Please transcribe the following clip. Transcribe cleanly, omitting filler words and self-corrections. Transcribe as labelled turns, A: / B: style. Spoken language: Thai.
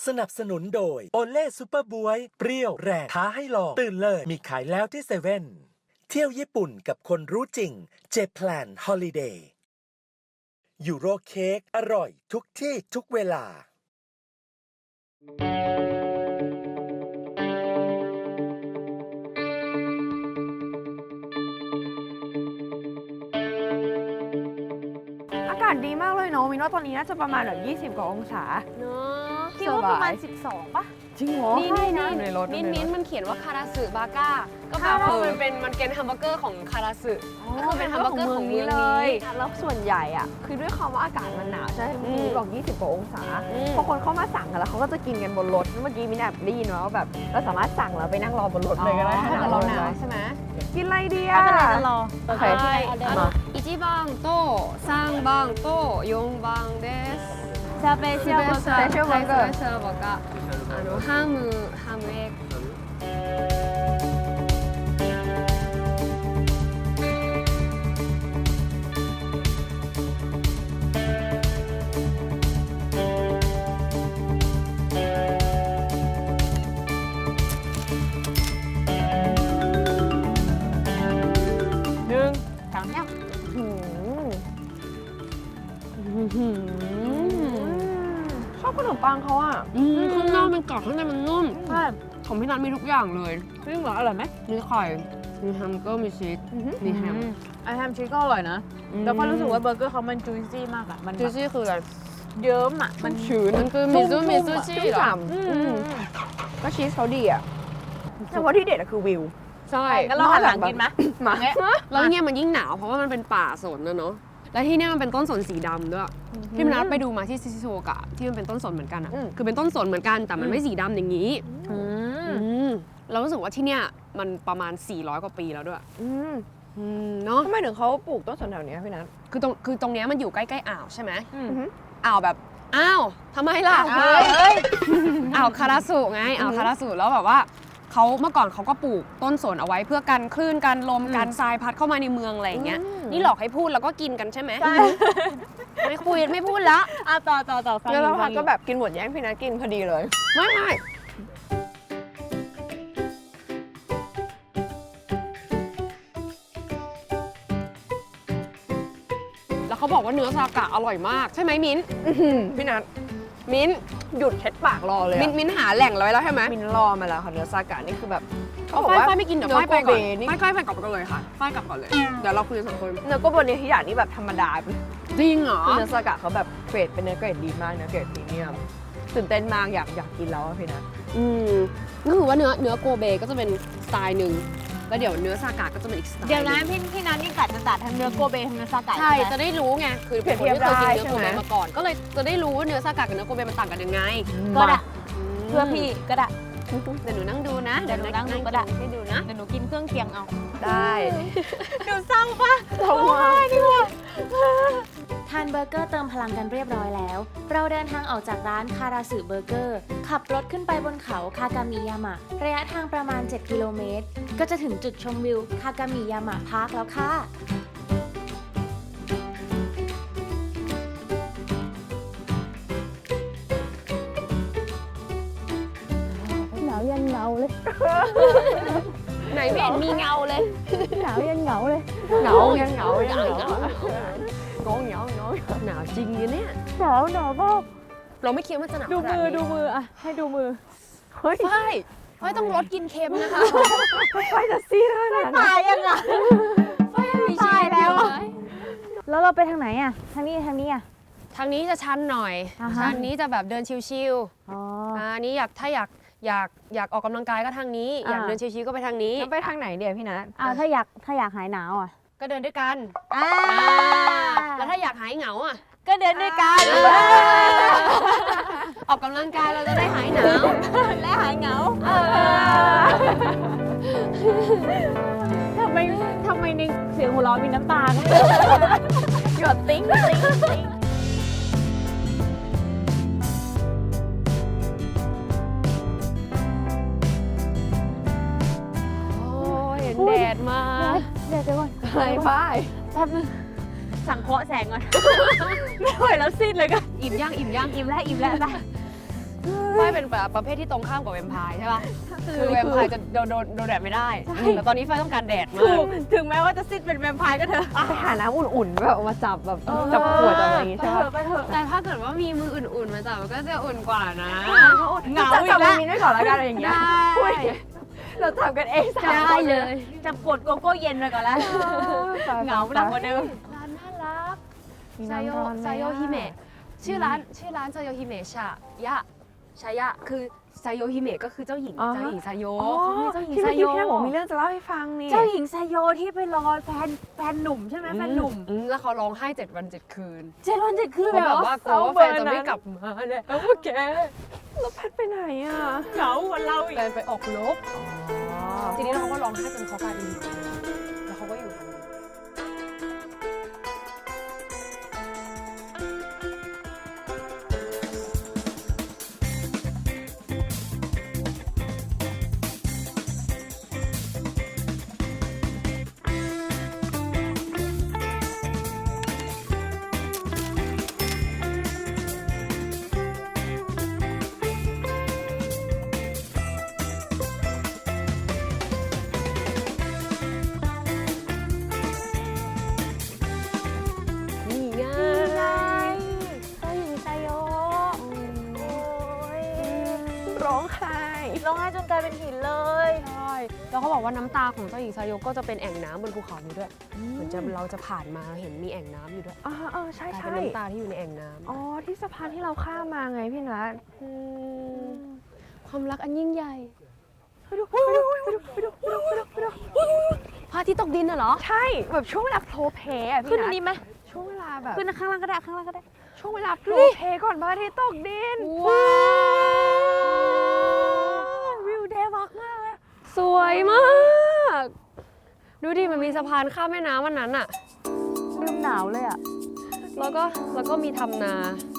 A: สนับสนุนโดยโอเล่ซูเปอร์บวยเปรี้ยวแรงท้าให้ลองตื่นเลยมีขายแล้วที่เซเว่นเที่ยวญี่ปุ่นกับคนรู้จริงเจแพลนฮอลิเดย์ยูโรเค้กอร่อยทุกที่ทุกเวลา
B: อากาศดีมากเลยเนาะมินว่าตอนนี้น่าจะประมาณแบบ20 กว่าองศา
C: เนอะ
B: คิดว่าประมาณ12ป่ะจริงเหรอ
C: นี่
B: ในรถ
C: มิ้นมันเขียนว่าคาราสึบาก้าก็แปลว่ามันเป็นแฮมเบอร์เกอร์ของคาราสึก็คือเป็นแฮมเบอร์เกอร์ของเมืองนี้
B: แล้วส่วนใหญ่อ่ะคือด้วยความว่าอากาศมันหนาวใช่ไหมมินบอก20 กว่าองศาพอคนเข้ามาสั่งกันแล้วเขาก็จะกินกันบนรถเมื่อกี้มินแอบได้ยินว่าแบบเราสามารถสั่งแล้วไปนั่งรอบนรถเลยก็ได้
C: ถ้าเกิดเราหนาวใช่ไหม
B: กินอะไรดีอ่ะ
D: ไม่เป็นไรจะรอ
B: โอเค
C: 1番と3番と4番です
D: スペシャルバーガー
C: スペシャルバーガーハムエッグ
B: ชอบขนมปังเขาอ่ะ
C: ข้างนอกมันกรอบข้างในมันนุ่ม
B: ใช่
C: ของพี่นัทมีทุกอย่างเลย
B: จริงเหรออร่อยไหม
C: มีไข่มีแฮมเบอร์เกอร์มีชีสมีแฮม
B: ไอแฮมชีสก็อร่อยนะแล้วก็รู้สึกว่าเบอร์เกอร์เขามันจุยซี่มากอ่ะมัน
C: จูซี่คืออะไร
B: เยิ้มอ่ะมันชื้น
C: มันคือมิซูชิเหรอ
B: ก็ชีสเขาดีอ่ะแต่ว่าที่เด็ดอะคือวิว
C: ใช่
B: งั้นเราหันหลังกินไหมมา
C: แล้วเนี่ยมันยิ่งหนาวเพราะว่ามันเป็นป่าสนนะเนาะแล้วที่เนี่ยมันเป็นต้นสนสีดำด้วยพี่มนัสไปดูมาที่ซิซิโซกะที่มันเป็นต้นสนเหมือนกันอ่ะคือเป็นต้นสนเหมือนกันแต่มันไม่สีดำอย่างนี้เรารู้สึกว่าที่เนี่ยมันประมาณ400 กว่าปีแล้วด้วยเนาะ
B: ทำไมถึงเขาปลูกต้นสนแถวนี้พี่นัท
C: คือตรงเนี้ยมันอยู่ใกล้ๆอ่าวใช่ไหมอ่าวแบบอ้าวทำไมล่ะอ่าวคาราสุไงอ่าวคาราสุแล้วแบบว่าเขาเมื่อก่อนเขาก็ปลูกต้นสนเอาไว้เพื่อกันคลื่นกันลมกันทรายพัดเข้ามาในเมืองอะไรอย่างเงี้ยนี่หลอกให้พูดแล้วก็กินกันใช่ไหมไม่คุยไม่พูดละ
D: ต่อฟัง
B: แล้วเราก็แบบกินหมดแย่งพี่นัทกินพอดีเลย
C: ไม่แล้วเขาบอกว่าเนื้อซากะอร่อยมากใช่ไหมมิ้น
B: พี่นัท
C: มิ้น
B: หยุดเช็ดปากรอเลย
C: มิ้นหาแหล่งไว้แล้วใช่ไหม
B: มินรอมาแล้วค่ะเนื้อซากะนี่คือแบบ
C: เอาฝ้ายไม่กินเดี๋ยวฝ้ายไปก่อน
B: นี่
C: ฝ้ายไปกลับกันเลยค่ะฝ้ายกลับก่อนเลยเดี๋ยวเราคุยกัน2 คน
B: เนื้อโกโบนิฮิยะนี่แบบธรรมดา
C: จริงเหรอ
B: เนื้อซากะเขาแบบเกรดเป็นเนื้อเกรดดีมากเนื้อเกรดพรีเมียมตื่นเต้นมากอยากกินแล้วอะพี่นัท
C: ก็คือว่าเนื้อโกเบก็จะเป็นสไตล์หนึ่งแล้วเดี๋ยวเนื้อซากะก็จะเป็นอีกสไตล์
D: เดี๋ยวนะพี่นัทนี่กัดจะตัดทั้งเนื้อโกเบทั้งเนื้อซากะ
C: ใช่
D: ไหม
C: จะได้รู้ไงคือผมไม่เคยกินเนื้อโกเบมาก่อนก็เลยจะได้รู้ว่าเนื้อซากะกับเนื้อโกเบมันต่างกันยังไง
D: ก็ได้เพื่อพี่ก็ได้
C: เดี๋ยวหนูนั่งดูนะ
D: เดี๋ยวหนูนั่งดูก็ได้
C: ให้ดูนะ
D: เดี๋ยวหนูกินเครื่องเคียงเอา
B: ได้
D: ดูเศร้าปะ
B: เราว่า
E: ทานเบอร์เกอร์เติมพลังกันเรียบร้อยแล้ว เราเดินทางออกจากร้านคาราสึเบอร์เกอร์ขับรถขึ้นไปบนเขาคากามิยามะระยะทางประมาณ 7 กิโลเมตร ก็จะถึงจุดชมวิวคากามิยามะพาร์คแล้วค่ะ
D: หนาวยันเงาเลย
C: ไหนไม่เห็นมีเงาเลย
D: หนาวยันเงาเลย
B: เหงายังเหงายังเหงาหนาวจริงเนี่ย
D: หนาวมาก
C: เราไม่คิดว่าจะหนาว
D: ดู
C: ขนา
D: มือ
C: นี้
D: ดูมืออะให้ดูมือ
B: เฮ้ย
C: ฝ้ายต้องลดกินเค็มนะคะ
B: ไปจะซีดขนาดนั้น
D: ตายยังอ่ะ
C: มีชีวิตอยู่เลย
D: แล้วเราไปทางไหนอะทางนี้อะ
C: ทางนี้จะชันหน่อย
D: อ่าฮะ
C: ทางนี้จะแบบเดินชิว
D: อ๋อ
C: ๆอันนี้ถ้าอยากออกกำลังกายก็ทางนี้ อยากเดินชิวๆก็ไปทางนี้
B: ไปทางไหนเดี๋ยวพี่นัท
D: ถ้าอยากหายหนาวอะ
C: ก็เดินด้วยกัน แล้วถ้าอยากหายเหงาอ่ะ
D: ก็เดินด้วยกัน
C: ออกกำลังกายเราจะได้หายหนาว
D: และหายเหงาทำไมในเสียงหัวเราะมีน้ำตา
B: หยดติ้ง
C: โอ้ยเห็นแดดมา
D: เดี๋ยวก่อน
B: อะไรป้าย
D: แป๊บนึงสั่งเคาะแสงก่อน ไม่ไหวแล้วสิ้นเลยก็
C: อิ่มย่าง
D: อิ่มแล้วไป
C: ฝ้ายเป็นแบบประเภทที่ตรงข้ามกับแวมไพร์ใช่ป่ะคือแวมไพร์จะโดนแดดไม่ได้แต่ตอนนี้ฝ้ายต้องการแดดมา
D: ถู
C: ก
D: กถึงแม้ว่าจะซิดเป็นแวมไพร์ก็เถอะ
B: ไปหาน้ำอุ่นๆแบบมาจับแบบจับขวดจับอะไรอย่างงี้ใช่ปะ
D: ไปเถอะ
C: แต่ถ้าเกิดว่ามีมืออุ่นๆมาจับมันก็จะอุ่นกว่านะ
D: เหงา
B: จับ
D: อี
B: จับ
D: กแล้ว
B: มินไว้ก่อนแล้วกันอะไรอย่างเงี้ย
C: ได้
B: เราจับกันเองสาม
C: ได้
B: คน
C: เลย
D: จับกดโกโก้เย็นไปก่อนแล้วเหงาหนักกว่าเดิม
C: ร้านน่ารัก
B: มี
C: ไซโย
B: น้ำร้อนไหม
C: ไซโยฮิเมะชื่อร้านไซโยฮิเมะชายะคือไซโยฮิเมะก็คือเจ้าหญิงไซโย
B: อ๋อ
C: เขามีเจ้าหญิง
B: ที่
C: ไซ
B: เมื่อ
C: โย
B: กี้พี่นัทบอกมีเรื่องจะเล่าให้ฟังนี่
D: เจ้าหญิงไซโยที่ไปรอแฟนหนุ่มใช่ไหมแฟนหนุ่ม
C: แล้วเขาร้องไห้7 วัน 7 คืน
D: 7 วัน 7 คืน
C: เขา
D: เลยเห
C: แบ
D: ร
C: บ
D: อ
C: ว่ากลัวว่าแฟนจะไม่กลับมาเนี่ยโอเค
B: แล้วแพทไปไหนอ่ะ
D: เหงากว่าเราอีก
C: แฟนไปออกรบทีนี้เขาก็ร้องไห้จนเขากลายเป็นหญิงแล้วเขาก็อยู่ตรงนั้น นี่ไง
B: เจ้าหญิงไซโยร้องไห้
D: ร้องไห้จนกลายเป็นหินเลย
C: ใช่แล้วเขาบอกว่าน้ำตาของเจ้าหญิงไซโยก็จะเป็นแอ่งน้ำบนภูเขานี้ด้วยเหมือนเราจะผ่านมาเห็นมีแอ่งน้ำอยู่ด้วย
B: ใช่
C: กลาย
B: ใช่
C: เป็นน้ำตาที่อยู่ในแอ่งน้ำ
B: อ๋อที่สะพานที่เราข้ามมาไงพี่นัท
C: ความรักอันยิ่งใหญ่
B: ไปดูไปดูไปดูไปดูไปดูไปดู
C: พระอาทิตย์ตกดินน่ะเหรอ
B: ใช่แบบช่วงเวลาโพลเพลอะ
D: ขึ้
B: พี่
D: นอั
B: นั
D: น
B: ท
D: นี้ไหม
B: ช่วงเวลาแบบ
D: ขึ้นข้างล่างก็ได้ข้างล่างก็ได้
B: ช่วงเวลาโพลเพลก่อนพระอาทิตย์ตกดิน
C: ว้าว
D: วิวเดวักมากเลย
C: สวยมาก ดูดิมันมีสะพานข้ามแม่น้ำวันนั้นอะ
B: ลมหนาวเลยอ่ะ
C: แล้วก็มีทำนา